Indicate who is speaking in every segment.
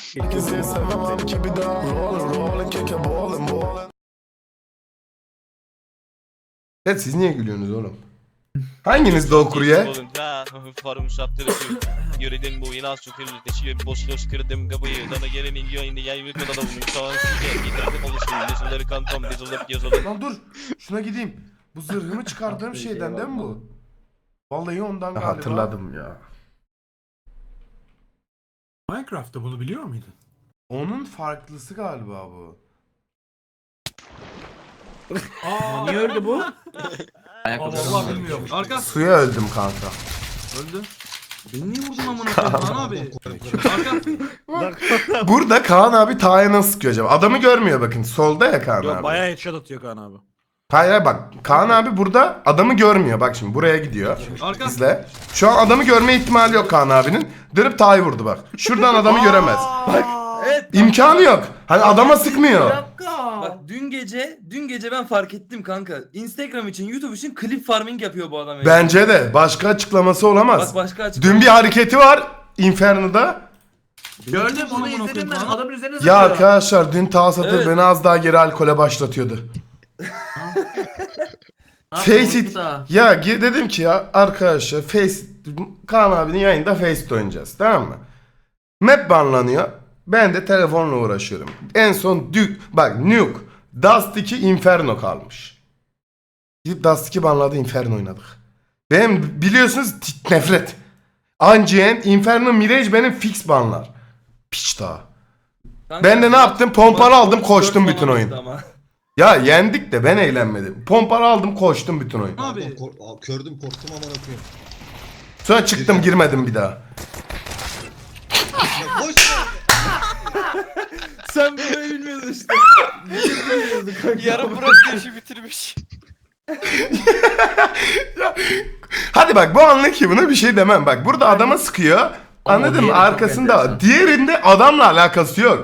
Speaker 1: Herkese sevmem ki bir daha rollin keke ballin.
Speaker 2: Evet, siz niye gülüyorsunuz oğlum? Hanginiz de o kurye?
Speaker 3: Forum saptırıcı. Yöredim bu inas çökülü. Deşiyor boşluğu kırdım kapıyı. Dana gelen milyon indi yayın kadar da bunu sağan süre. Getirdim oluşum. Yazıları kantom yazılıp.
Speaker 2: Lan dur, şuna gideyim. Bu zırhımı çıkardığım şeyden değil mi bu? Vallahi ondan galiba. Hatırladım ya.
Speaker 4: Minecraft'ta bunu biliyor muydun?
Speaker 2: Onun farklısı galiba bu.
Speaker 4: Niye öldü bu?
Speaker 5: Vallahi bilmiyorum. Arka
Speaker 2: Suya öldüm kanka.
Speaker 5: öldü. Beni niye vurdun amına koyayım Kaan abi? Arka.
Speaker 2: Burada Kaan abi Taha'ya nasıl sıkıyor acaba? Adamı görmüyor bakın. Solda ya Kaan abi.
Speaker 4: Bayağı headshot atıyor Kaan abi.
Speaker 2: Hayır hayır, bak. Kaan abi burada adamı görmüyor. Bak şimdi buraya gidiyor.
Speaker 5: Arka.
Speaker 2: İzle. Şu an adamı görme ihtimali yok Kaan abinin. Dönüp Taha'yı vurdu bak. Şuradan adamı göremez.
Speaker 6: Evet.
Speaker 2: İmkanı yok. Hani adama sıkmıyor.
Speaker 6: Bak dün gece ben fark ettim kanka. Instagram için, YouTube için klip farming yapıyor bu adam.
Speaker 2: Bence de. Başka açıklaması olamaz.
Speaker 6: Bak başka açıklama.
Speaker 2: Dün bir hareketi var Inferno'da.
Speaker 5: Gördüm onu izledim ben.
Speaker 4: Adamın üzerine
Speaker 2: Ya arkadaşlar dün Taha Satır
Speaker 6: Evet.
Speaker 2: beni az daha geri alkole başlatıyordu. Face it. Ya dedim ki ya arkadaşlar Kaan abinin yayında Face oynayacağız, tamam mı? Map banlanıyor. Ben de telefonla uğraşıyorum. En son bak Nuke, Dust 2, Inferno kalmış. Gidip Dust 2 banladı, Inferno oynadık. Benim biliyorsunuz nefret. Ancient, Inferno, Mirage benim fix banlar. Piç daha.
Speaker 6: Kanka,
Speaker 2: Ben de ne yaptım? Pompalı aldım, koştum bütün
Speaker 6: falan
Speaker 2: oyun.
Speaker 6: ama.
Speaker 2: Ya yendik de ben eğlenmedim. Pompalı aldım, koştum bütün oyun.
Speaker 5: Abi.
Speaker 7: Kördüm korktum aman okuyayım.
Speaker 2: Sonra çıktım, girmedim bir daha.
Speaker 7: Ya boş ver.
Speaker 6: Sen böyle bilmiyordun işte.
Speaker 3: Yarın bırak işi bitirmiş.
Speaker 2: Hadi bak, bu anlık ki buna bir şey demem. Bak burada adama sıkıyor. Anladın mı? Arkasında. Diğerinde adamla alakası yok.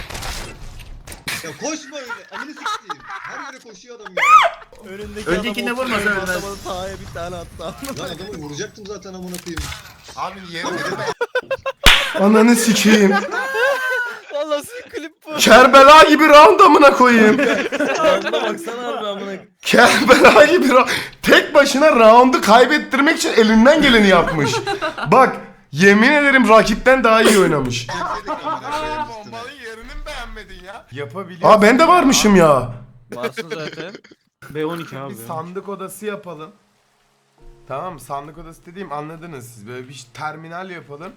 Speaker 7: Ya koşma öyle. Amını sikeyim. Her yere koşuyor adam ya.
Speaker 4: Öncekinde vurmasa ölmez.
Speaker 3: Taha'ya bir tane attı.
Speaker 7: Lan adamı vuracaktım zaten amına koyayım.
Speaker 2: Abi yerine Ananı sikeyim.
Speaker 3: Valla sizin klip bu.
Speaker 2: Kerbela gibi round amına koyayım.
Speaker 6: Round'a baksana abi amına.
Speaker 2: Kerbela gibi tek başına roundu kaybettirmek için elinden geleni yapmış. Bak yemin ederim rakipten daha iyi oynamış.
Speaker 1: Bombalı yerini mi beğenmedin ya? Yapabiliyor.
Speaker 2: Aa ben de varmışım ya.
Speaker 3: Varsın zaten.
Speaker 4: B12 abi.
Speaker 2: Bir sandık odası yapalım. Tamam mı? Sandık odası dediğim anladınız siz. Böyle bir terminal yapalım.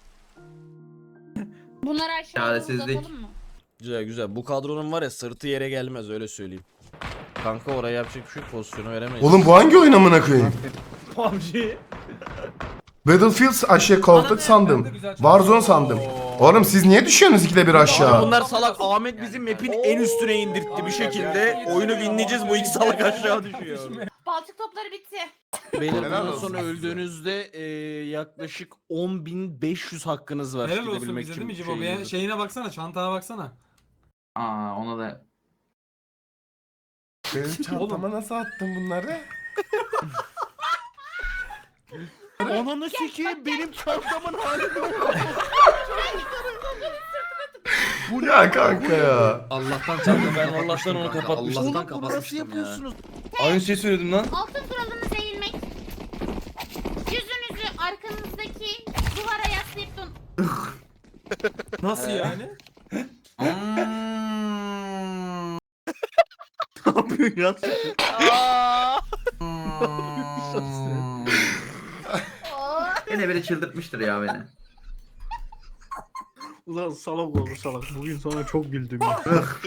Speaker 8: Bunları aşağıya
Speaker 9: Çaresizlik.
Speaker 8: uzatalım mı?
Speaker 9: Güzel güzel. Bu kadronun var ya sırtı yere gelmez öyle söyleyeyim. Kanka oraya yapacak bir şey yok, pozisyonu veremeyiz.
Speaker 2: Oğlum bu hangi oyun amına koyayım?
Speaker 4: PUBG.
Speaker 2: Battlefield aşağı koltuk sandım. Warzone sandım. Oğlum siz niye düşüyorsunuz ikide bir aşağı?
Speaker 9: Bunlar salak. Ahmet bizim map'in en üstüne indirtti bir şekilde. Oyunu winleyeceğiz, bu iki salak aşağı düşüyor.
Speaker 8: Balçık topları bitti.
Speaker 9: Beyler
Speaker 2: Helal
Speaker 9: bundan
Speaker 2: olsun
Speaker 9: sonra
Speaker 2: size.
Speaker 9: öldüğünüzde yaklaşık 10.500 hakkınız var.
Speaker 5: Helal olsun
Speaker 9: gidebilmek
Speaker 5: bize
Speaker 9: için
Speaker 5: değil mi Cibo? Bir şeyine baksana, çantana baksana.
Speaker 9: Aa ona da.
Speaker 2: Benim çantama nasıl attın bunları?
Speaker 9: Ananı sikeyim, benim çantamın hali yok.
Speaker 2: Bu ya kanka ya.
Speaker 6: Allah'tan çarptım ben Allah'tan onu kapatmıştım.
Speaker 9: Oğlum bunu nasıl yapıyorsunuz?
Speaker 6: Aynı şeyi söyledim lan.
Speaker 8: Altın kuralımız eğilmek. Yüzünüzü arkanızdaki duvara yaslayıp
Speaker 5: Nasıl yani?
Speaker 9: Ne yapıyorsun ya?
Speaker 10: Yine biri çıldırtmıştır ya beni.
Speaker 4: Ulan salak oldu salak. Bugün sana çok güldüm ya.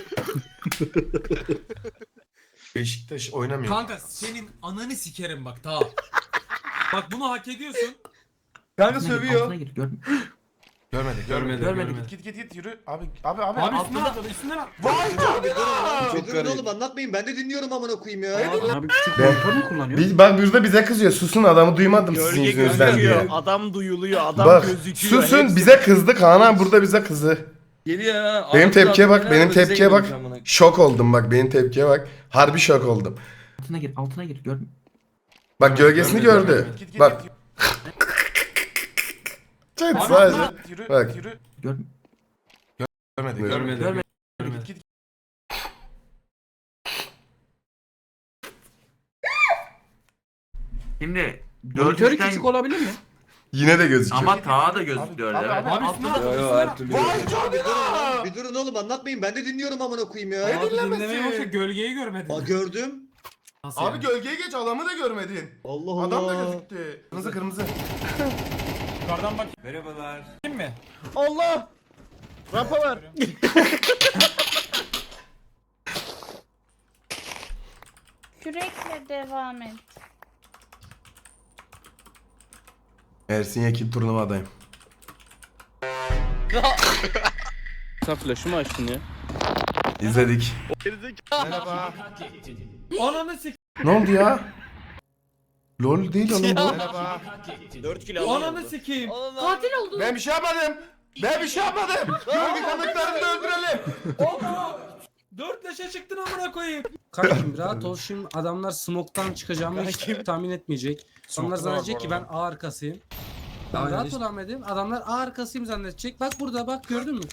Speaker 2: Beşiktaş oynamıyor.
Speaker 5: Kanka senin ananı sikerim bak ta. Bak bunu hak ediyorsun.
Speaker 6: Kanka sövüyor.
Speaker 10: Altına gir görme.
Speaker 2: Görmedik. Git yürü. Abi.
Speaker 5: Abi üstüne atladı üstüne at.
Speaker 7: Çözün oğlum anlatmayın ben de dinliyorum amına koyayım ya.
Speaker 4: Abi küçük
Speaker 2: Ben-
Speaker 4: monitör mü kullanıyor?
Speaker 2: Bak burada bize kızıyor. Susun, adamı duymadım sizin
Speaker 9: Gölge
Speaker 2: yüzünüzden diye.
Speaker 9: gözüküyor, adam duyuluyor, adam
Speaker 2: Bak
Speaker 9: gözüküyor.
Speaker 2: susun,
Speaker 9: hepsi-
Speaker 2: bize kızdı. Kaan abi burada bize kızdı.
Speaker 6: Geliyor ha.
Speaker 2: Benim
Speaker 6: Altı
Speaker 2: tepkiye bak,
Speaker 6: altı
Speaker 2: benim
Speaker 6: bize
Speaker 2: tepkiye bak.
Speaker 6: geliyormuş amına.
Speaker 2: Şok oldum bak, benim tepkiye bak. Harbi şok oldum.
Speaker 10: Altına gir görme.
Speaker 2: Bak gölgesini gördü. Bak. Evet
Speaker 5: Abi
Speaker 2: sadece.
Speaker 5: üstüne at.
Speaker 2: Bak.
Speaker 10: Görme.
Speaker 2: Görmedi.
Speaker 4: Görmedi.
Speaker 10: Şimdi
Speaker 4: Monitörü
Speaker 10: 4'ten
Speaker 4: küçük olabilir mi?
Speaker 2: Yine de gözüküyor.
Speaker 10: ama tağa da gözüküyor. Evet.
Speaker 4: Abi üstüne
Speaker 6: her türlü.
Speaker 7: Bir durun oğlum anlatmayın. Ben de dinliyorum amına koyayım ya.
Speaker 4: Abi
Speaker 2: dinlemesi?
Speaker 4: dinlemeye başla gölgeyi görmedin.
Speaker 7: Aa gördüm.
Speaker 4: Nasıl
Speaker 2: Abi
Speaker 4: yani?
Speaker 2: gölgeye geç, adamı da görmedin.
Speaker 7: Allah Allah.
Speaker 2: Adam da gözüktü. Kırmızı kırmızı.
Speaker 5: Yukarıdan bak. Merhabalar. Kim mi?
Speaker 9: Allah! Rampa var.
Speaker 8: Kürekle devam et.
Speaker 2: Ersin Yekin turnuvadayım.
Speaker 9: Sen flash'ı mı açtın ya?
Speaker 2: İzledik. Merhaba.
Speaker 5: Ananı sik.
Speaker 2: Ne oldu ya? LOL değil oğlum bu.
Speaker 9: Merhaba. 4 kilo
Speaker 5: Ananı sikeyim.
Speaker 8: Katil oldun.
Speaker 2: Ben bir şey yapmadım. Ben bir şey yapmadım. Gölge kanıtlarını da öldürelim.
Speaker 5: 4 leşe çıktın amına koyayım.
Speaker 4: Kankim rahat ol, şimdi adamlar smoke'tan çıkacağımı hiç tahmin etmeyecek. Onlar zannedecek ki ben A arkasıyım. Ben rahat ol Ahmet'im. Adamlar A arkasıyım zannedecek. Bak burada bak, gördün mü?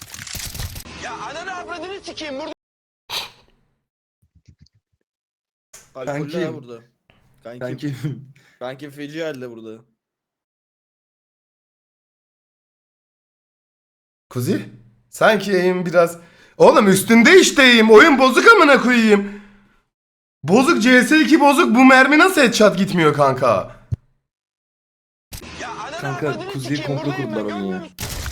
Speaker 9: Alkollü ha burada. Kankim feci halde burada.
Speaker 2: Kuzi? Sanki eğim biraz... Oğlum üstünde işte eğim. Oyun bozuk amına koyayım. Bozuk, CS2 bozuk. Bu mermi nasıl headshot gitmiyor kanka?
Speaker 6: Kanka Kuzi'yi komplo kurdular onu ya.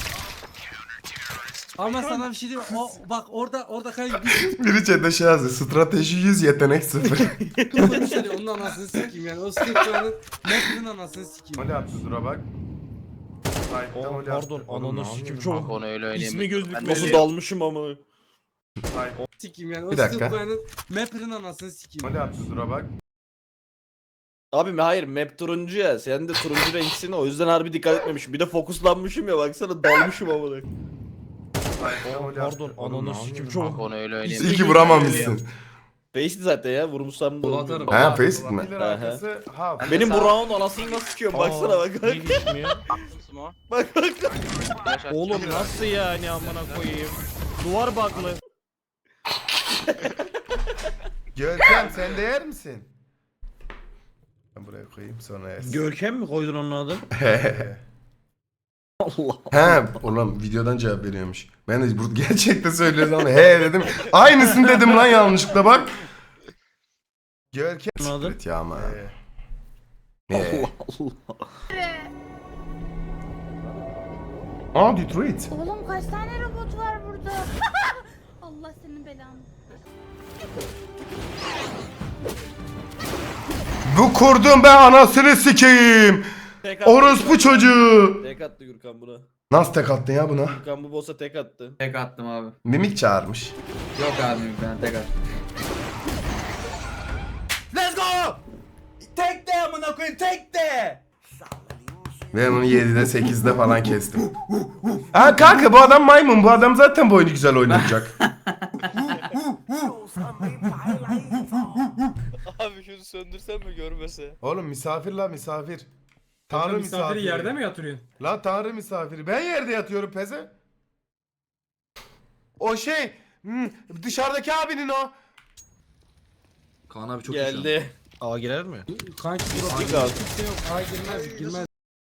Speaker 4: Ama sana bir şey diyeyim. O bak orada kanka
Speaker 2: Biri chat'te şey yazıyor. Strateji 100, yetenek 0.
Speaker 4: bir şey onun anasını sikeyim yani. O smoke'ların Map'in anasını sikeyim.
Speaker 2: Oli attı, dura bak.
Speaker 9: Pardon ananı sikim çok.
Speaker 3: Onu öyle oynayayım.
Speaker 9: İsmi gözükmedi. Nasıl dalmışım ama.
Speaker 4: Sikeyim yani. O
Speaker 2: Bir dakika.
Speaker 4: smoke'ların Map'in anasını sikeyim.
Speaker 2: Oli attı, dura bak.
Speaker 9: Abi hayır map turuncu ya. Sen de turuncu renksin, o yüzden harbi dikkat etmemişim. Bir de fokuslanmışım ya, baksana dalmışım ama. Pardon ananı sikim çok.
Speaker 3: Onu öyle oynayayım.
Speaker 2: İyi ki vuramamışsın.
Speaker 9: Face'di zaten ya, vurmuşsam da
Speaker 4: Kol
Speaker 9: olmuyor.
Speaker 4: atarım.
Speaker 2: Ha, face mi?
Speaker 9: Benim bu round anasını nasıl sikiyorum, baksana bak. Bak bak. Oğlum nasıl yani amına koyayım. Duvar baklı.
Speaker 2: Görkem sen de yer misin? Ben buraya koyayım sonra yersin.
Speaker 9: Görkem mi koydun onun adı? Allah.
Speaker 2: He ulan videodan cevap veriyormuş. Ben de bu gerçekten söylüyoruz ama he dedim. Aynısını dedim lan yanlışlıkla bak. Görkem.
Speaker 9: Anladın?
Speaker 2: Evet ya ama.
Speaker 9: Allah Allah.
Speaker 2: Aa Detroit.
Speaker 8: Oğlum kaç tane robot var burada? Allah senin belanı.
Speaker 2: Bu kurdum ben anasını sikeyim.
Speaker 9: Tek attı.
Speaker 2: Orospu çocuğu.
Speaker 9: Tek attı Gürkan buna.
Speaker 2: Nasıl tek attın ya buna?
Speaker 9: Gürkan bu boss'a tek attı.
Speaker 10: Tek attım abi.
Speaker 2: Mimik çağırmış.
Speaker 10: Yok abi ben tek attım.
Speaker 6: Let's go! Tek de amına koyayım, tek de.
Speaker 2: Ben bunu 7'de 8'de falan kestim. Ha kanka bu adam maymun. Bu adam zaten bu oyunu güzel oynayacak.
Speaker 3: Abi şunu söndürsen mi görmese?
Speaker 2: Oğlum misafir la misafir. Tanrı misafiri.
Speaker 5: Misafiri yerde mi yatırıyorsun?
Speaker 2: La tanrı misafiri. Ben yerde yatıyorum peze. O şey dışarıdaki abinin o.
Speaker 10: Kaan abi çok
Speaker 9: Geldi. Aa girer mi?
Speaker 4: Kanki
Speaker 9: Dik al.
Speaker 4: kimse yok. Ay girmez.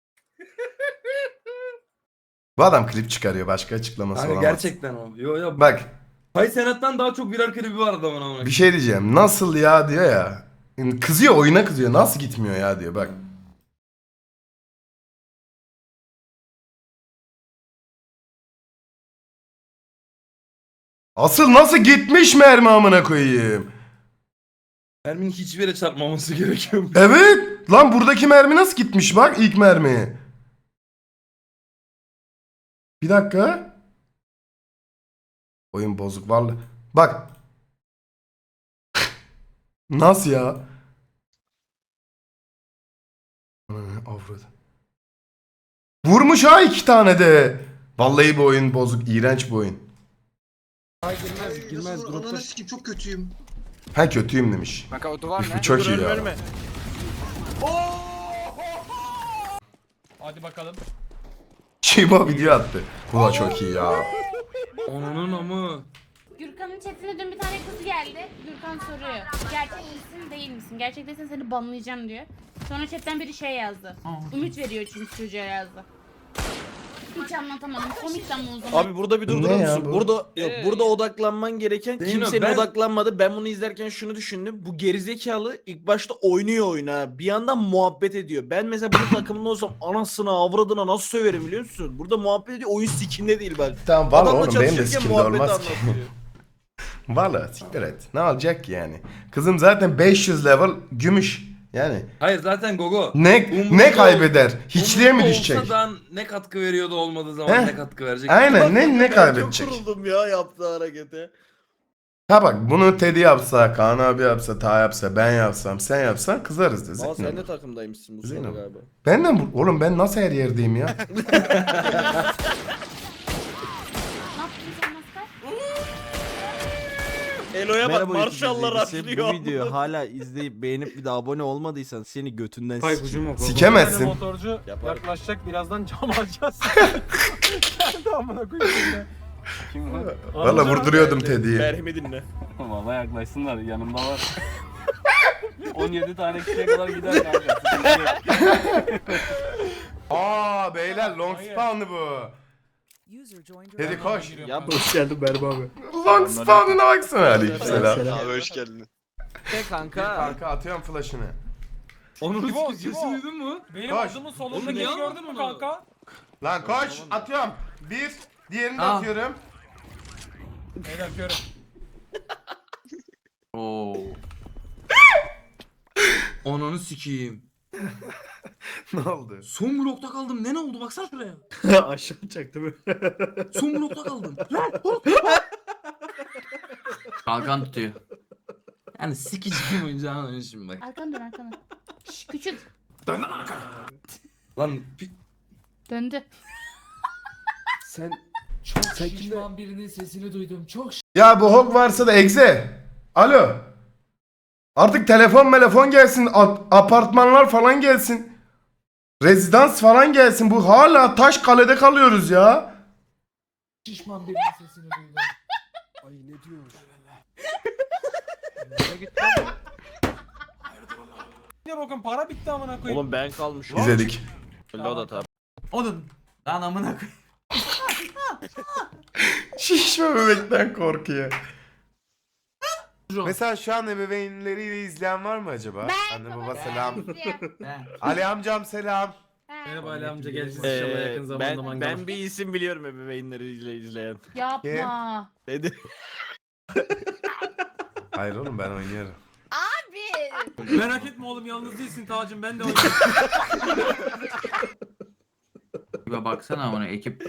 Speaker 2: Bu adam klip çıkarıyor. Başka açıklaması
Speaker 6: Kanka
Speaker 2: olamaz.
Speaker 6: gerçekten o. Yo yo.
Speaker 2: Bak
Speaker 6: Hay Senat'tan daha çok birer klibi var adamın amına.
Speaker 2: bir şey diyeceğim. Nasıl ya diyor ya. Kızıyor, oyuna kızıyor. Nasıl gitmiyor ya diyor bak. Asıl nasıl gitmiş mermi amına koyayım.
Speaker 6: Merminin hiçbir yere çarpmaması gerekiyor.
Speaker 2: Evet. Lan buradaki mermi nasıl gitmiş bak ilk mermi. Bir dakika. Oyun bozuk vallahi. Bak. Nasıl ya? Avradı. Vurmuş ha 2 tane de. Vallahi bu oyun bozuk. İğrenç bu oyun.
Speaker 4: Ay girmez.
Speaker 7: Nasıl
Speaker 4: Grupta
Speaker 7: ananı sikeyim çok kötüyüm.
Speaker 2: Ha kötüyüm demiş.
Speaker 5: Kanka o duvar
Speaker 2: Bu çok iyi ya.
Speaker 9: Ölme.
Speaker 5: Hadi bakalım.
Speaker 2: Şiba video attı. Bu da çok iyi ya.
Speaker 6: Onun amı.
Speaker 8: Gürkan'ın chatine dün bir tane kız geldi. Gürkan soruyor. Gerçek misin değil misin? Gerçek değilsen seni banlayacağım diyor. Sonra chatten biri şey yazdı. Ümit veriyor çünkü çocuğa yazdı. Hiç anlatamadım. Komikten mi o zaman?
Speaker 9: Abi burada bir
Speaker 2: Ne
Speaker 9: durdurur
Speaker 2: ya
Speaker 9: musun?
Speaker 2: bu?
Speaker 9: Burada yok, burada odaklanman gereken
Speaker 6: Değil
Speaker 9: kimsenin
Speaker 6: mi? Ben-
Speaker 9: odaklanmadı. Ben bunu izlerken şunu düşündüm. Bu gerizekalı ilk başta oynuyor oyunu ha. Bir yandan muhabbet ediyor. Ben mesela bu takımında olsam anasına avradına nasıl söverim biliyor musun? Burada muhabbet ediyor. Oyun sikinde değil bak.
Speaker 2: Tamam valla
Speaker 9: Adamla
Speaker 2: oğlum benim de
Speaker 9: çalışırken
Speaker 2: sikimde
Speaker 9: muhabbet
Speaker 2: olmaz ki.
Speaker 9: anlatıyor.
Speaker 2: Valla siktir et. Ne olacak ki yani? Kızım zaten 500 level gümüş. Yani
Speaker 6: Hayır zaten Gogo.
Speaker 2: ne
Speaker 6: Umurunda
Speaker 2: kaybeder? Hiçliğe mi
Speaker 6: umurunda
Speaker 2: düşecek?
Speaker 6: olsa da ne katkı veriyordu olmadığı zaman
Speaker 2: Heh.
Speaker 6: ne katkı verecek?
Speaker 2: Aynen ne
Speaker 9: Ben
Speaker 2: kaybedecek?
Speaker 9: Çok kuruldum ya yaptığı harekete.
Speaker 2: Ha bak bunu Teddy yapsa, Kaan abi yapsa, Ta yapsa, ben yapsam, sen yapsan kızarız da.
Speaker 9: Ama sen
Speaker 2: Zeyno.
Speaker 9: de takımdaymışsın bu
Speaker 2: Zeyno.
Speaker 9: sırada galiba.
Speaker 2: Benden oğlum ben nasıl her yerdeyim ya?
Speaker 8: Ne yaptın sen Maskar?
Speaker 9: Elo'ya bak
Speaker 11: Merhaba
Speaker 9: marşallar
Speaker 11: YouTube izleyicisi.
Speaker 9: açlıyor.
Speaker 11: Bu videoyu hala izleyip beğenip bir de abone olmadıysan seni götünden
Speaker 4: Hay
Speaker 11: sikeyim.
Speaker 4: kucum yok.
Speaker 2: Sikemezsin.
Speaker 5: Motorcu
Speaker 9: Yapar.
Speaker 5: yaklaşacak birazdan cam alacağız. Nerede amına koyayım ya?
Speaker 2: Valla vurduruyordum Teddy'yi.
Speaker 9: Merhemi dinle.
Speaker 5: Valla yaklaşsınlar yanımda var. 17 tane kişiye kadar gider kanka.
Speaker 2: Aa beyler long spawn'ı bu. Teddy koş.
Speaker 11: Ya hoş geldin Berba abi.
Speaker 2: Long spawn'ına baksana. Aleykümselam.
Speaker 3: Abi hoş geldin.
Speaker 11: Kanka.
Speaker 2: Kanka atıyorum flash'ını.
Speaker 6: Onun
Speaker 5: Cibo,
Speaker 6: sesini
Speaker 5: Cibo.
Speaker 6: duydun mu?
Speaker 5: Benim
Speaker 2: Koş.
Speaker 5: adımın
Speaker 6: Oğlum
Speaker 5: solundaki
Speaker 6: ya.
Speaker 5: gördün mü kanka?
Speaker 2: Lan koş atıyorum. Bir. Diğerini de
Speaker 6: Aa.
Speaker 2: atıyorum.
Speaker 5: Beyler körüm.
Speaker 6: Oo. Ananı sikeyim.
Speaker 2: Ne oldu?
Speaker 6: Son blokta kaldım. Ne oldu baksana şuraya.
Speaker 11: Aşağı çaktı böyle.
Speaker 6: Son blokta kaldım. Kalkan tutuyor. Yani sikeceğim oyuncağın önü şimdi bak.
Speaker 8: Arkana dön arkana. Şş, küçük.
Speaker 6: Lan
Speaker 8: Döndü.
Speaker 6: sen
Speaker 5: Şişman birinin sesini duydum. Çok
Speaker 2: Ya bu Hogwarts'a da egze. Alo. Artık telefon gelsin. Apartmanlar falan gelsin. Rezidans falan gelsin. Bu hala taş kalede kalıyoruz ya.
Speaker 5: şişman birinin sesini duydum.
Speaker 11: Ay ne diyor?
Speaker 5: Ne bakın para bitti amına koyayım.
Speaker 9: Oğlum ben kalmışım.
Speaker 2: İzledik.
Speaker 9: O da tabi.
Speaker 6: oğlum lan amına koy.
Speaker 2: Şişme bebekten korkuyor. Mesela şu an ebeveynleriyle izleyen var mı acaba? Anne baba selam. Ali amcam selam.
Speaker 6: Merhaba Ali amca geleceğiz inşallah yakın zamanda
Speaker 9: Ben,
Speaker 6: mangala.
Speaker 9: ben bir isim biliyorum ebeveynleriyle izleyen.
Speaker 8: Yapma.
Speaker 9: Dedi.
Speaker 2: Hayır oğlum ben oynuyorum.
Speaker 8: Abi.
Speaker 5: Merak etme oğlum yalnız değilsin Tacım ben de oynayayım.
Speaker 6: Bir baksana amına ekip.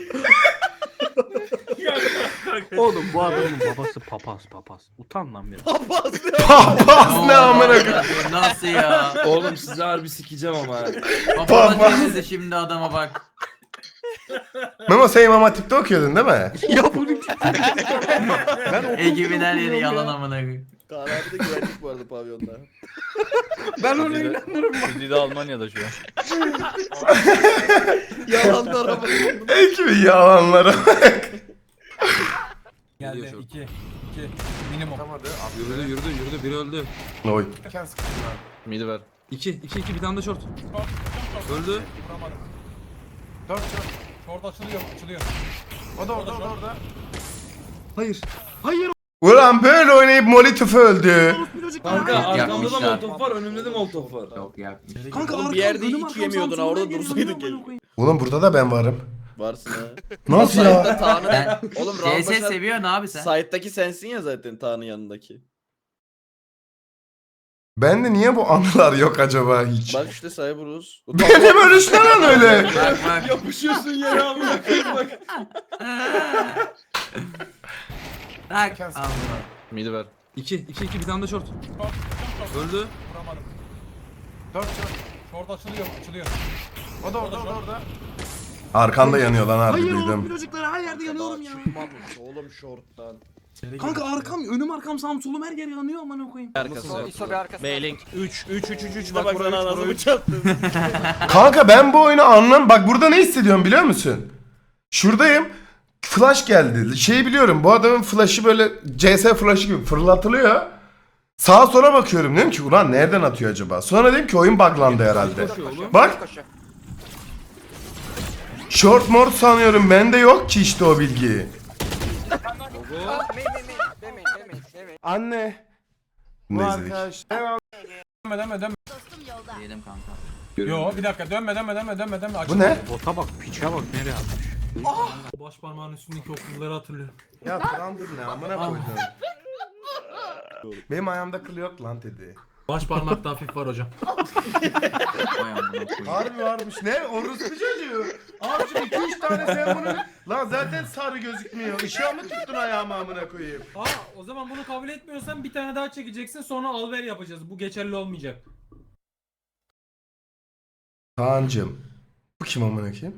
Speaker 11: Oğlum bu adamın babası papaz. Utan lan biraz.
Speaker 2: Papaz ne amına koyayım.
Speaker 6: Nasıl ya? Oğlum sizi harbi sikeceğim ama.
Speaker 2: Papaz.
Speaker 6: Papaz de şimdi adama bak.
Speaker 2: Memo sen İmam Hatip'te okuyordun değil mi?
Speaker 11: Ya bunu
Speaker 6: Ekibin her yeri yalan amına koyayım.
Speaker 9: Kaan abi de güvenlik bu arada pavyonda.
Speaker 6: Ben ona inanırım.
Speaker 11: Bizi de Almanya'da şu an.
Speaker 9: Yalanlar ama.
Speaker 2: Ekibin yalanlara bak.
Speaker 5: Geldi 2 minimum.
Speaker 6: Yürüdü biri öldü.
Speaker 2: Oy.
Speaker 9: Midi ver.
Speaker 6: 2 bir tane de short. Öldü.
Speaker 5: Vuramadım. Short açılıyor.
Speaker 2: O da orada.
Speaker 6: Hayır.
Speaker 2: Ulan böyle oynayıp Molotov öldü.
Speaker 6: Kanka arkamda da molotof var, önümde de molotof var. Yok yapmış.
Speaker 9: Kanka oğlum bir yerde hiç yemiyordun ha orada dursaydın gel.
Speaker 2: Oğlum burada da ben varım.
Speaker 9: Varsın ha.
Speaker 2: Nasıl
Speaker 9: Site'da
Speaker 2: ya?
Speaker 9: Taan'ı... Oğlum Raul
Speaker 6: CS
Speaker 9: Başar...
Speaker 6: seviyorsun abi sen.
Speaker 9: Site'daki sensin ya zaten Taan'ın yanındaki.
Speaker 2: Bende niye bu anılar yok acaba hiç?
Speaker 9: Bak işte Cyberus.
Speaker 2: Benim ölüşme lan öyle.
Speaker 6: Bak.
Speaker 9: Yapışıyorsun yere amına koyayım bak.
Speaker 6: Bak.
Speaker 9: Midi ver.
Speaker 6: 2 bir tane de short. Öldü.
Speaker 5: Vuramadım. Short açılıyor.
Speaker 2: O da orada. Arkanda yanıyor lan harbi duydum.
Speaker 6: Çocuklar her yerde yanıyorum ya.
Speaker 9: Çıkmamış oğlum short'tan.
Speaker 6: Kanka önüm arkam sağım solum her yer yanıyor amına koyayım.
Speaker 9: Arkası. B-Link 3 bak buradan anasını çattın.
Speaker 2: Kanka ben bu oyunu anlam. Bak burada ne hissediyorum biliyor musun? Şuradayım. flash geldi. Şeyi biliyorum, bu adamın flash'ı böyle CS flash'ı gibi fırlatılıyor. Sağa sola bakıyorum, dedim ki ulan nereden atıyor acaba? Sonra dedim ki oyun buglandı herhalde. Bak. Short mort sanıyorum, bende yok ki işte o bilgi. Anne. Bu arkadaş.
Speaker 10: Diyelim kanka.
Speaker 5: Yo bir dakika dönme.
Speaker 2: Bu ne?
Speaker 11: Bota bak, piçe bak nereye atmış.
Speaker 5: Baş parmağın üstündeki o kılları hatırlıyorum.
Speaker 2: Ya Trundle ne amına koydum. Benim ayağımda kıl yok lan dedi.
Speaker 5: Baş parmakta hafif var hocam.
Speaker 10: Vay amına koyayım.
Speaker 2: Harbi varmış. Ne? Orospu çocuğu. Abicim 2-3 tane sen bunu... Lan zaten sarı gözükmüyor. Işığa mı tuttun ayağımı amına koyayım?
Speaker 5: O zaman bunu kabul etmiyorsan bir tane daha çekeceksin sonra alver yapacağız. Bu geçerli olmayacak.
Speaker 2: Kaan'cım. Bu kim amına koyayım?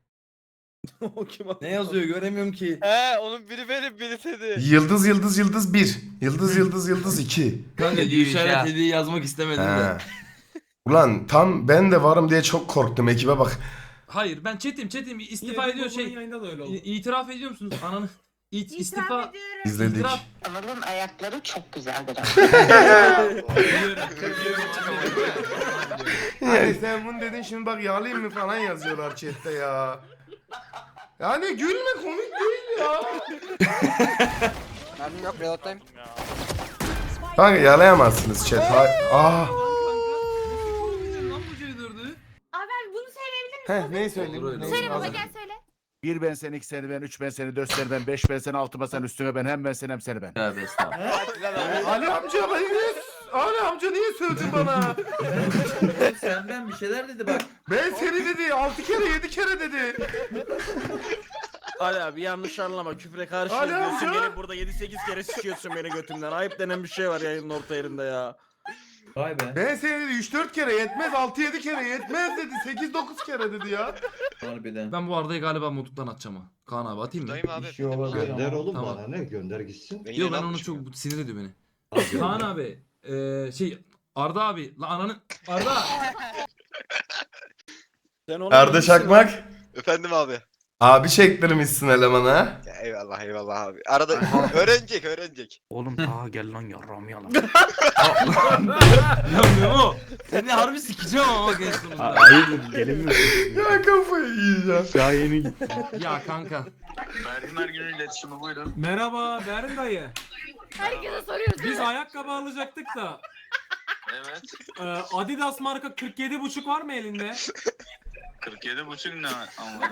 Speaker 6: Ne yazıyor göremiyorum ki.
Speaker 3: Onun biri benim biri seni.
Speaker 2: Yıldız yıldız yıldız 1. Yıldız yıldız yıldız 2.
Speaker 6: Kanka işaretlediği yazmak istemedim de.
Speaker 2: He. Ulan tam ben de varım diye çok korktum, ekibe bak.
Speaker 5: Hayır ben chatim istifa ediyor yayında da öyle oldu. İtiraf ediyor musunuz ananı? İstifa
Speaker 2: İzledik.
Speaker 8: Adamın ayakları çok güzeldir.
Speaker 2: Yani sen bunu dedin, şimdi bak yağlayayım mı falan yazıyorlar chatte ya. Yani gülme, komik değil ya.
Speaker 9: Mermim yok, reload'dayım.
Speaker 2: Kanka yalayamazsınız chat.
Speaker 8: Abi bunu söyleyebilir misin?
Speaker 2: Neyi söyleyeyim?
Speaker 8: Söyle baba, gel söyle.
Speaker 11: 1 ben sen, 2 seni ben, 3 ben seni, 4 seni ben, 5 ben seni, 6 ben sen, üstüne ben, hem ben sen hem seni ben.
Speaker 10: Tövbe estağfurullah.
Speaker 2: Ali amca Ali amca niye sövdün bana?
Speaker 6: Senden bir şeyler dedi bak.
Speaker 2: Ben seni dedi 6 kere 7 kere dedi.
Speaker 9: Ali abi yanlış anlama, küfre karşı
Speaker 2: Ali
Speaker 9: diyorsun,
Speaker 2: amca!
Speaker 9: beni burada 7-8 kere sikiyorsun beni götümden. Ayıp denen bir şey var yayının orta yerinde ya.
Speaker 6: Vay be.
Speaker 2: Ben seni dedi 3-4 kere yetmez, 6-7 kere yetmez dedi, 8-9 kere dedi ya.
Speaker 6: Harbiden.
Speaker 10: Ben bu Arda'yı galiba mutluluktan atacağım ha. Kaan abi atayım mı?
Speaker 3: Dayım abi.
Speaker 7: Bir şey olabilir. Gönder oğlum
Speaker 10: Tamam.
Speaker 7: bana ne? Gönder gitsin.
Speaker 10: Yok ben onu çok sinir ediyor beni.
Speaker 5: Kaan abi Arda abi la ananı Arda
Speaker 9: Sen onu
Speaker 2: Arda Şakmak.
Speaker 3: Efendim abi.
Speaker 2: Abi çektirmişsin elemana.
Speaker 3: Ya eyvallah abi. Arada öğrenecek.
Speaker 11: Oğlum ta gel lan yarram yalan.
Speaker 10: Ya Memo. Seni harbi sikeceğim ama gençliğimizde.
Speaker 11: Hayır gelin mi?
Speaker 2: Ya kafayı yiyeceğim.
Speaker 11: Daha yeni gitti.
Speaker 10: Ya kanka.
Speaker 5: merhaba Berin dayı.
Speaker 8: Herkese soruyoruz.
Speaker 5: Biz ayakkabı alacaktık da. Evet. Adidas marka 47,5 var mı elinde?
Speaker 3: 47,5 ne ama.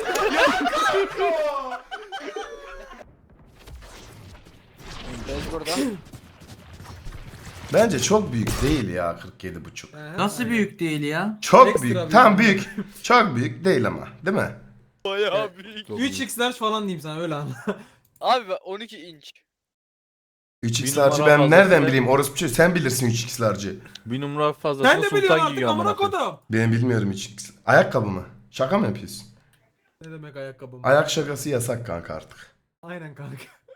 Speaker 2: Bence çok büyük değil ya 47,5.
Speaker 10: Nasıl büyük değil ya?
Speaker 2: Çok
Speaker 5: Ekstra
Speaker 2: büyük.
Speaker 5: büyük.
Speaker 2: Tam büyük. Çok büyük değil ama, değil mi?
Speaker 5: Bayağı büyük. 3x large falan diyeyim sana öyle anla.
Speaker 3: Abi 12 inç.
Speaker 2: 3x'larcı ben nereden bileyim orospu çocuğu, sen bilirsin 3x'larcı.
Speaker 11: Bir numara fazla.
Speaker 5: Sen de biliyorsun artık amına kodum.
Speaker 2: Ben bilmiyorum 3x. Ayakkabı mı? Şaka mı yapıyorsun?
Speaker 5: Ne demek ayakkabı mı?
Speaker 2: Ayak şakası yasak kanka artık.
Speaker 5: Aynen kanka.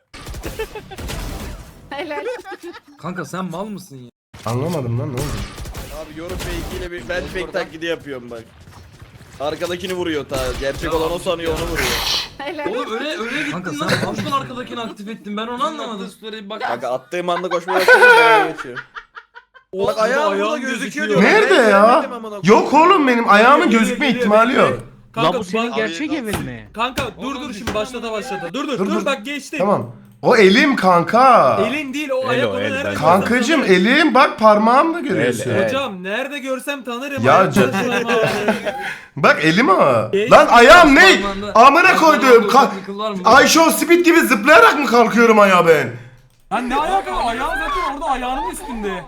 Speaker 8: Helal.
Speaker 10: Kanka sen mal mısın ya?
Speaker 2: Anlamadım lan, ne oldu?
Speaker 9: Abi yorum fake'iyle bir ben fake taklidi yapıyorum bak. Arkadakini vuruyor ta. Gerçek olan o sanıyor, onu vuruyor.
Speaker 8: Helal.
Speaker 10: Oğlum öyle gittin
Speaker 3: Kanka
Speaker 10: lan.
Speaker 3: sen-
Speaker 10: Kaçtan arkadakini aktif ettin ben onu anlamadım. Bak.
Speaker 9: Kanka attığım anda koşmaya başladım, ben geçiyor. Bak ayağım burada gözüküyor diyor.
Speaker 2: Nerede
Speaker 9: Ben
Speaker 2: ya?
Speaker 9: görmedim amına koyayım.
Speaker 2: Yok oğlum, benim ayağımın gözükme ihtimali yok.
Speaker 11: Lan bu senin
Speaker 3: Abi,
Speaker 11: gerçek
Speaker 3: abi.
Speaker 11: evin mi?
Speaker 5: Kanka dur şimdi başladı. Dur
Speaker 2: Dur.
Speaker 5: bak geçti.
Speaker 2: Tamam. O elim kanka.
Speaker 5: Elin değil o ayak onu
Speaker 11: el,
Speaker 5: nerede
Speaker 11: ben-
Speaker 5: görsem
Speaker 2: Kankacım
Speaker 5: tanırım.
Speaker 2: elim, bak parmağımla görüyorsun.
Speaker 11: El.
Speaker 5: Hocam nerede görsem tanırım.
Speaker 2: Ya
Speaker 5: Ayak
Speaker 2: can-
Speaker 5: tanışmam abi.
Speaker 2: Bak elim o.
Speaker 5: Geç.
Speaker 2: Lan ayağım ne?
Speaker 10: Parmağında-
Speaker 2: Amına koydum.
Speaker 10: Parmağında ufak bir kıl var mı?
Speaker 2: Ayşe Speed gibi zıplayarak mı kalkıyorum ayağa ben?
Speaker 5: Lan ne ayak o? Ayağın zaten orada ayağının üstünde.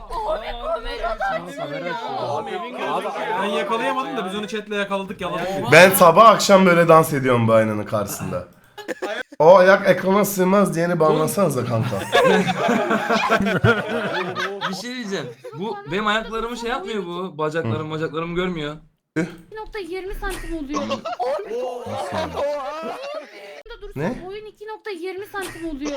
Speaker 5: Ben yakalayamadım da biz onu chatle yakaladık yaladık.
Speaker 2: Ben sabah akşam böyle dans ediyorum bu aynanın karşısında. O ayak ekrana sığmaz diyeni banlasanıza kanka.
Speaker 10: Bir şey diyeceğim. Bu benim ayaklarımı şey yapmıyor bu. Bacaklarımı görmüyor.
Speaker 8: 2.20 santim oluyor.
Speaker 2: Ne?
Speaker 8: Boyun 2.20 santim oluyor.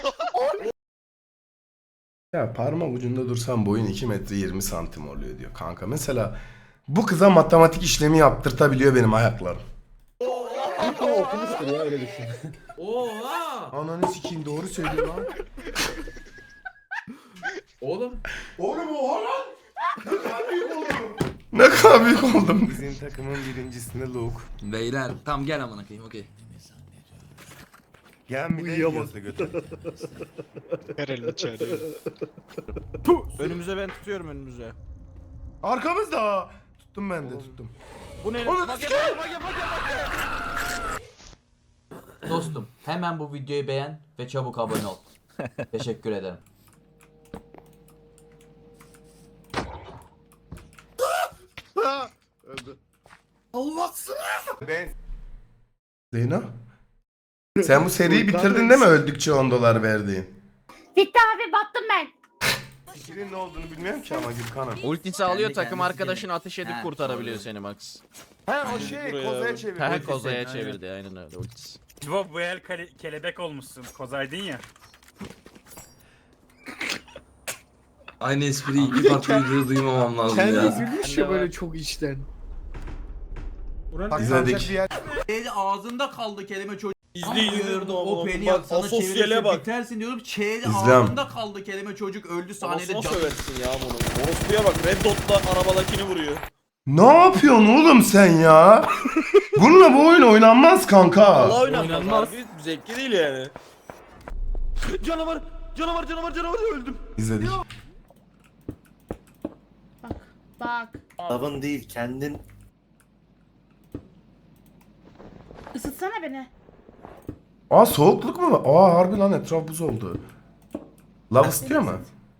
Speaker 2: Ya parmak ucunda dursam boyun 2 metre 20 santim oluyor diyor kanka. Mesela bu kıza matematik işlemi yaptırtabiliyor benim ayaklarım.
Speaker 7: Ama okumuştur ya öyle düşün.
Speaker 10: Oha!
Speaker 2: Ananı sikeyim doğru söylüyor lan.
Speaker 10: Oğlum.
Speaker 2: Oğlum oha lan. Ne kadar büyük oldum. Bizim takımın birincisinde Luke.
Speaker 10: Beyler tam gel amına koyayım okey.
Speaker 2: Gel bir de gözle götür.
Speaker 9: Önümüze ben tutuyorum önümüze.
Speaker 2: Arkamızda. Tuttum ben de tuttum.
Speaker 9: Bu ne?
Speaker 2: Onu
Speaker 12: Dostum hemen bu videoyu beğen ve çabuk abone ol. Teşekkür ederim.
Speaker 11: Öldü.
Speaker 2: Ben. Zeyno. Sen bu seriyi bitirdin değil mi öldükçe 10 dolar verdiğin?
Speaker 8: Bitti abi battım ben.
Speaker 2: Fikrin ne olduğunu bilmiyorum ki ama Gülkan'ım.
Speaker 9: Ultisi alıyor takım
Speaker 12: kendisi
Speaker 9: arkadaşını ateş edip
Speaker 12: Ha,
Speaker 9: kurtarabiliyor seni Max.
Speaker 2: He o şey kozaya çevirdi.
Speaker 9: Her kozaya çevirdi aynen öyle ultisi.
Speaker 5: Bu el kelebek olmuşsun. Kozaydın ya.
Speaker 10: Aynı espriyi iki farklı videoda duymamam lazım ya.
Speaker 9: Gülmüş ya böyle çok içten.
Speaker 2: İzledik.
Speaker 12: Şeyde ağzında kaldı kelime çocuk.
Speaker 6: İzliyordum
Speaker 12: O
Speaker 6: ama
Speaker 12: peni
Speaker 6: bak,
Speaker 12: sana
Speaker 6: asosyale
Speaker 12: çevirirse
Speaker 6: bak.
Speaker 12: bitersin diyorum. Çeyde
Speaker 2: İzlem.
Speaker 12: ağzında kaldı kelime çocuk öldü sahnede
Speaker 6: Nasıl
Speaker 12: can.
Speaker 6: söversin ya bunu? Orospu'ya bak Red Dot'la arabadakini vuruyor.
Speaker 2: Ne yapıyorsun oğlum sen ya? Bununla bu oyun oynanmaz kanka.
Speaker 6: Allah oynanmaz. Harbi zevkli değil yani. Canavar öldüm.
Speaker 2: İzledik.
Speaker 8: Bak.
Speaker 7: Lavın değil kendin.
Speaker 8: Isıtsana beni.
Speaker 2: Aa soğukluk mu var? Aa harbi lan etraf buz oldu. Lav istiyor mu?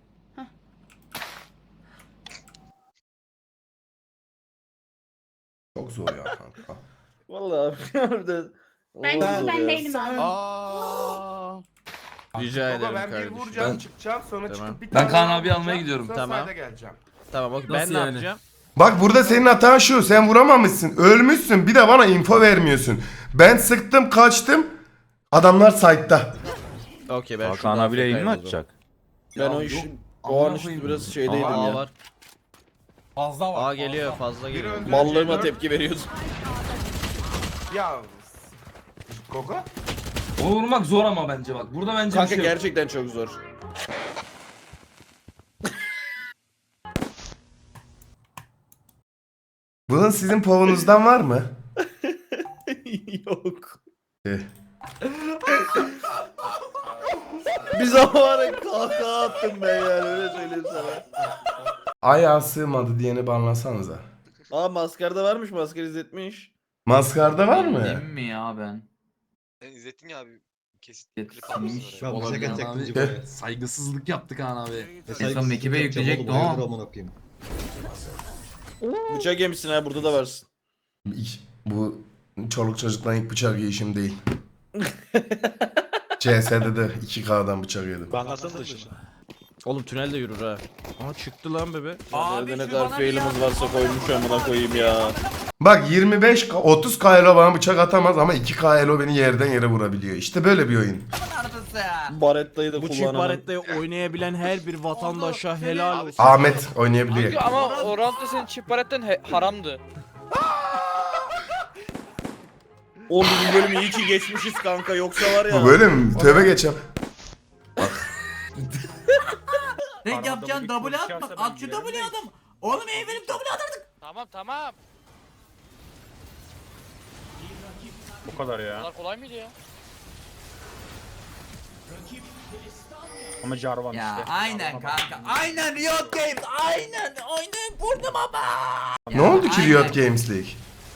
Speaker 2: Çok zor ya kanka.
Speaker 6: Vallahi harbiden.
Speaker 8: Ben değilim abi.
Speaker 2: Aa.
Speaker 9: Rica ederim
Speaker 2: Ben bir
Speaker 9: kardeşim.
Speaker 2: vuracağım çıkacağım sonra
Speaker 9: Tamam.
Speaker 2: çıkıp bir
Speaker 10: Ben
Speaker 2: tane
Speaker 10: Kaan
Speaker 2: daha
Speaker 10: abi almaya
Speaker 2: vuracağım,
Speaker 10: gidiyorum.
Speaker 2: sonra
Speaker 9: Tamam.
Speaker 2: sayda geleceğim.
Speaker 9: Tamam bak ben
Speaker 10: Nasıl
Speaker 9: ne
Speaker 10: yani?
Speaker 9: yapacağım?
Speaker 2: Bak burada senin hatan şu. Sen vuramamışsın. Ölmüşsün. Bir de bana info vermiyorsun. Ben sıktım kaçtım. Adamlar site'da.
Speaker 9: Okey ben
Speaker 11: Hakan abiyle yayın mı açacak?
Speaker 6: Ben o işin o an işte biraz şeydeydim
Speaker 9: Aa
Speaker 6: ya.
Speaker 9: var.
Speaker 5: Fazla var.
Speaker 9: Aa geliyor fazla geliyor.
Speaker 6: Mallığıma tepki veriyordum.
Speaker 2: Ya. Koko?
Speaker 10: Onu vurmak zor ama bence bak. Burada bence
Speaker 6: Kanka
Speaker 10: bir şey yok.
Speaker 6: gerçekten çok zor.
Speaker 2: Bunun sizin povunuzdan var mı?
Speaker 6: Yok.
Speaker 2: Eh.
Speaker 6: Bir zaman kahkaha attım ben yani öyle söyleyeyim sana.
Speaker 2: Ayağa sığmadı diyeni banlasanıza.
Speaker 6: Aa maskarda varmış maskar izletmiş.
Speaker 2: Maskarda var mı?
Speaker 12: Değil mi ya ben?
Speaker 3: Sen izlettin ya abi. Kesit
Speaker 12: Yetişmiş.
Speaker 7: Ben bıçak
Speaker 12: Olabilir
Speaker 7: atacaktım
Speaker 12: abi.
Speaker 7: Cibo'ya.
Speaker 10: Saygısızlık yaptık Kaan abi.
Speaker 12: En son ekibe yükleyecekti o.
Speaker 6: Bıçak yemişsin ha burada da varsın.
Speaker 2: Bu çoluk çocukla ilk bıçak yiyişim değil. CS'de de 2K'dan bıçak yedim.
Speaker 9: Oğlum tünel de yürür ha. Aa çıktı lan bebe.
Speaker 6: Abi ne kadar failimiz varsa koymuş amına koyayım ya.
Speaker 2: Bak 30K elo bana bıçak atamaz ama 2K elo beni yerden yere vurabiliyor. İşte böyle bir oyun.
Speaker 6: Barettayı da
Speaker 9: Bu çift
Speaker 6: kullanan.
Speaker 9: barettayı oynayabilen her bir vatandaşa helal olsun.
Speaker 2: Ahmet oynayabiliyor.
Speaker 5: Ama o roundda senin çift baretten haramdı.
Speaker 6: Oğlum bu bölümü iyi ki geçmişiz kanka yoksa var ya.
Speaker 2: Bu böyle mi? Tövbe geçem.
Speaker 12: Tek yapacaksın double at bak at şu double adam. Oğlum ev verip double atardık.
Speaker 5: Tamam.
Speaker 11: Bu kadar ya.
Speaker 5: Bunlar kolay mıydı ya?
Speaker 11: Ama Jarvan
Speaker 12: Ya aynen kanka. Aynen Riot Games. Aynen. Oynayın vurdum ama.
Speaker 2: Ne oldu ki Riot Games League?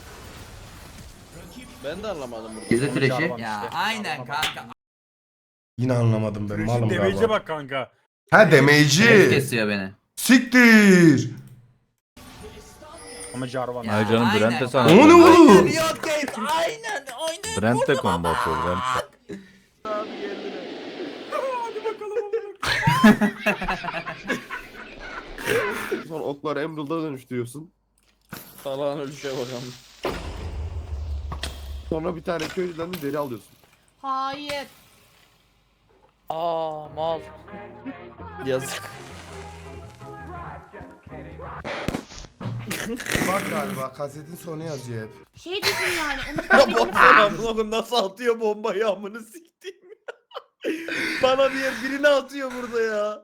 Speaker 6: Ben de anlamadım burada.
Speaker 12: Gezi trashi. Ya aynen kanka.
Speaker 2: Yine anlamadım ben malım
Speaker 11: Damage'e
Speaker 2: galiba.
Speaker 11: bak kanka.
Speaker 2: Ha damage'i.
Speaker 12: Kesiyor beni.
Speaker 2: Siktir.
Speaker 11: Ama Jarvan.
Speaker 12: Ya, aynen.
Speaker 2: O ne oğlum?
Speaker 12: Riot Games. Aynen. Oynayın
Speaker 11: Brent de
Speaker 12: vurdum
Speaker 11: combo
Speaker 12: ama.
Speaker 11: atıyor Brent.
Speaker 7: Sonra oklar Emerald'a dönüştürüyorsun.
Speaker 6: Falan ölüşe bakalım.
Speaker 7: Sonra bir tane köylüden de deri alıyorsun.
Speaker 8: Hayır.
Speaker 5: Aa mal.
Speaker 6: Yazık.
Speaker 2: Bak galiba kasetin sonu yazıyor hep.
Speaker 8: Şey düşün yani. Onu
Speaker 9: Ya
Speaker 8: sevmediğini falan.
Speaker 9: baksana oğlum nasıl atıyor bombayı amını siktiğim. Bana diye birini atıyor burada ya.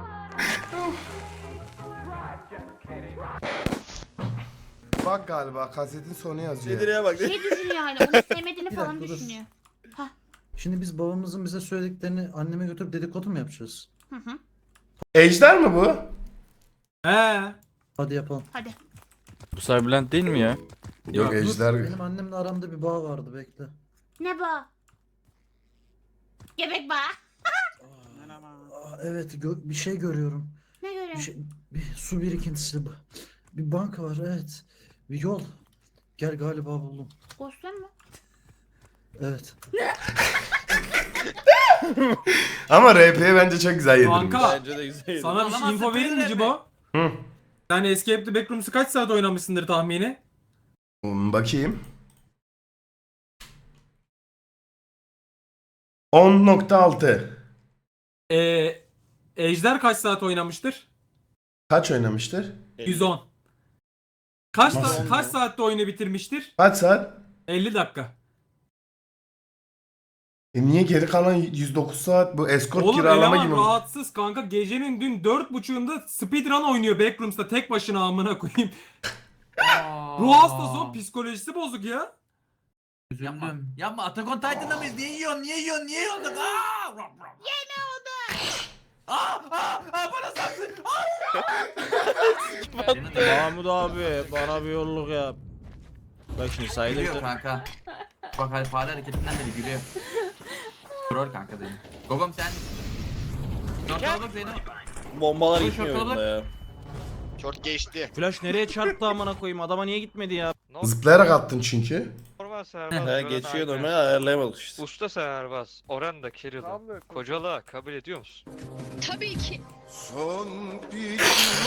Speaker 2: Bak galiba kasetin sonu yazıyor.
Speaker 9: Nedir'e bak.
Speaker 8: Şey düşün yani. Onu sevmediğini
Speaker 13: Bir
Speaker 8: falan
Speaker 13: dakika, dur.
Speaker 8: düşünüyor.
Speaker 13: Şimdi biz babamızın bize söylediklerini anneme götürüp dedikodu mu yapacağız?
Speaker 8: Hı hı.
Speaker 2: Ejder mi bu?
Speaker 4: He.
Speaker 13: Hadi yapalım.
Speaker 8: Hadi.
Speaker 5: Bu Cyberland değil mi ya?
Speaker 2: Yok Ejder.
Speaker 13: Benim annemle aramda bir bağ vardı, bekle.
Speaker 8: Ne bu? Göbek bağı.
Speaker 13: Evet, bir şey görüyorum.
Speaker 8: Ne görüyorsun?
Speaker 13: Bir su birikintisi. Bir banka var, evet. Bir yol. Gel, galiba buldum.
Speaker 8: Ghostlar mı?
Speaker 13: Evet.
Speaker 2: Ama RP'ye bence çok güzel yedirmiş.
Speaker 4: Kanka
Speaker 9: Bence de güzel.
Speaker 4: sana bir şey info vereyim mi Cibo?
Speaker 2: Hı.
Speaker 4: Sen Escape the Backrooms'u kaç saat oynamışsındır tahmini?
Speaker 2: Bakayım. 10.6.
Speaker 4: Ejder kaç saat oynamıştır?
Speaker 2: Kaç oynamıştır?
Speaker 4: 110. Kaç
Speaker 2: Nasıl?
Speaker 4: kaç saatte oyunu bitirmiştir?
Speaker 2: Kaç saat?
Speaker 4: 50 dakika.
Speaker 2: Niye geri kalan 109 saat bu escort
Speaker 4: Oğlum
Speaker 2: kiralama
Speaker 4: eleman
Speaker 2: gibi?
Speaker 4: rahatsız kanka. Gecenin dün 4.30'unda speedrun oynuyor Backrooms'ta tek başına amına koyayım. Ruh hastası o, psikolojisi bozuk ya.
Speaker 12: Üzüldüm. Yapma, Attack on Titan'da mıyız? Niye yiyorsun? Niye yiyorsun? Niye yiyorsun? Yeme oldu. Bana saksın.
Speaker 9: Mahmut abi bana bir yolluk yap. Bak şimdi
Speaker 12: Gülüyor kanka. Bak hadi fare hareketinden beri gülüyor. Troll kanka benim. Gogom sen. Şortalık benim.
Speaker 9: Bombalar
Speaker 12: Bu
Speaker 9: gitmiyor
Speaker 12: şokalık.
Speaker 9: bunda ya.
Speaker 7: Short geçti.
Speaker 9: Flash nereye çarptı amına koyayım adama niye gitmedi ya?
Speaker 2: Zıplayarak attın çünkü.
Speaker 3: Normal
Speaker 9: He geçiyor normal ayarlayamadık işte.
Speaker 3: Usta serbaz. Oran da Kirill'ı. Kocalığa kabul ediyor musun?
Speaker 8: Tabii ki.
Speaker 1: Son bir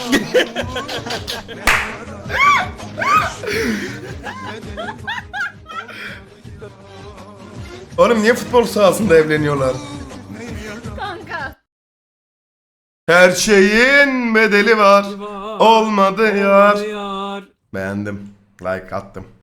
Speaker 2: Oğlum niye futbol sahasında evleniyorlar?
Speaker 8: Kanka.
Speaker 2: Her şeyin bedeli var. Olmadı yar.
Speaker 4: Yar.
Speaker 2: Beğendim. Like attım.